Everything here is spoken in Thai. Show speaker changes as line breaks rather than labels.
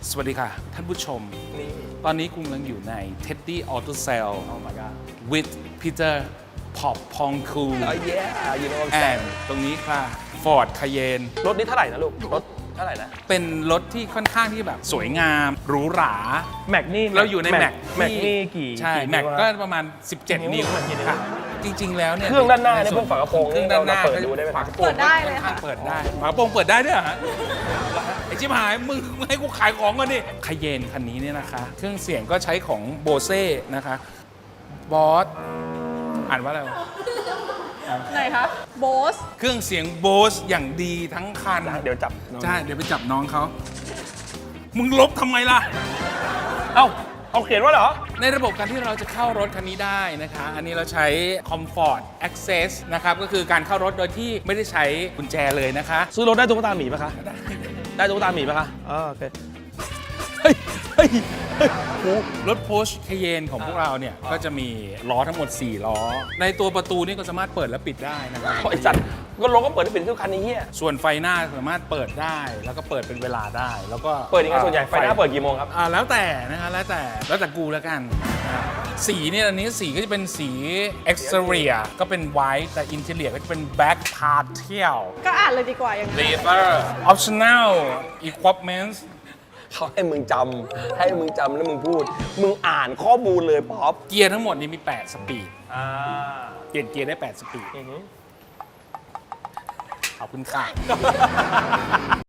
สวัสดีค่ะท่านผู้ชมตอนนี้คุณกำลังอยู่ใน Teddy Auto Sale with Peter Pop Pongku
you know what I'm saying
ตรงนี้ค่ะ Ford Cayenne
รถนี้เท่าไหร่นะลูกรถเท่าไหร่นะ
เป็นรถที่ค่อนข้างที่แบบสวยงามหรูหรา
แม็กนี่
เราอยู่ในแม็ก
นี่กี่
ใช่แม็กก็ประมาณ17 นิ้วค่ะจริงๆแล้วเนี่ย
เครื่องด้านหน้าเนี่ยพวกฝากระโปรง
เครื่องด้านหน้า
เปิดดูได้ไหม
ฝากระโปรง
เปิดได้เลยค่ะ
เปิดได้ฝากระโปรงเปิดได้ด้วยเหรอฮะไอชิบหายมึงให้กูขายของก่อนดิคาเยนคันนี้เนี่ยนะคะเครื่องเสียงก็ใช้ของโบเซ่นะคะบอสอ่านว่าอะไรวะ
ไหนคะโบส
เครื่องเสียงโบสอย่างดีทั้งคัน
เดี๋ยวจับ
ใช่เดี๋ยวไปจับน้องเขามึงลบทำไมล่ะ
เอ้าเอาเขียนว่าเหรอ
ในระบบการที่เราจะเข้ารถคันนี้ได้นะคะ อันนี้เราใช้ Comfort Access นะครับ ก็คือการเข้ารถโดยที่ไม่ได้ใช้กุญแจเลยนะคะ
ซื้อรถได้ตุ๊กตาหมีปะคะได้ตุ๊กตาหมีปะคะโอเคเฮ้ยเฮ้ย
รถ Porsche Cayenne ของพวกเราเนี่ย ก็จะมีล้อทั้งหมด 4 ล้อ ในตัวประตูนี่ก็สามารถเปิดและปิดได้นะครับ
ไอสัตว์ก็รถก็เปิดได้เป็นทุกคันนี้เฮีย
ส่วนไฟหน้าสามารถเปิดได้ แล้วก็เปิดเป็นเวลาได้ แล้วก็
เปิดยังไงส่วนใหญ่ไฟหน้าเปิดกี่โมงครับ
แล้วแต่นะคะแล้วแต่กูแล้วกันนะครับสีเนี่ยอันนี้สีก็จะเป็นสี exterior ก็เป็น white แต่ interior ก็จะเป็น black partial
ก็อ่านเลยดีกว่าอย่างนี้
leather optional equipment
เขาให้มึงจำแล้วมึงพูด มึงอ่านข้อมูลเลยป๊อป
เกียร์ทั้งหมดนี้มี 8 สปีด เปลี่ยนเกียร์ได้ 8 สปีด ขอบคุณค่ะ